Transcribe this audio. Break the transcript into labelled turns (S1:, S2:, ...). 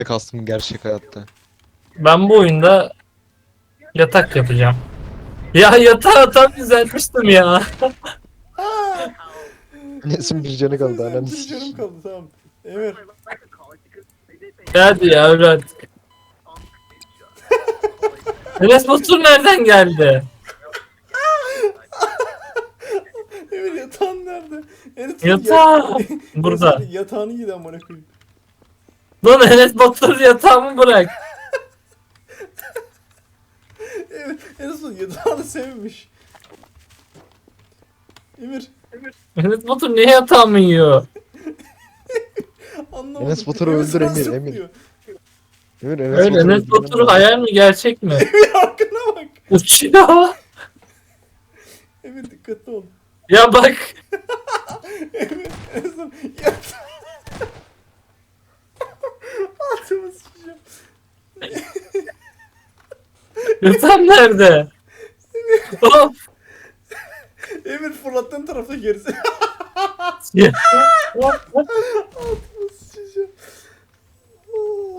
S1: kastım gerçek hayatta.
S2: Ben bu oyunda yatak yapacağım. Ya yatağı tam düzeltmiştim ya.
S1: Nesin bir canı kaldı ananı
S3: Bir canım
S1: sikeyim.
S3: kaldı, tamam. Emir.
S2: Hadi ya öyle artık. Enes Batur nereden geldi?
S3: Emir, yatağın nerede? Enes,
S2: Yatağı burada.
S3: Enes, yatağını giydi amına koyayım.
S2: Lan Enes Batur yatağımı bırak.
S3: Emir, Enes yatağını sevmiş. Emir,
S2: Enes Batur niye yatağımı yiyor?
S3: anlamadım.
S1: Enes Batur'u öldür
S3: sana
S1: Emir,
S3: zıplıyor.
S1: Emir. Emir Enes
S2: Öyle
S1: Batur'u
S2: Enes
S1: öldürmen
S2: Batur
S1: lazım.
S2: hayal mi gerçek mi?
S3: Emir, arkana bak.
S2: Uçuyor.
S3: Emir, dikkatli ol.
S2: Ya bak.
S3: Emir, Enes yatağı. Altıma sıçacağım.
S2: Yatağım nerede? Of.
S3: Emir, fırlattığın tarafta gerisi.
S2: Ya.
S3: Altıma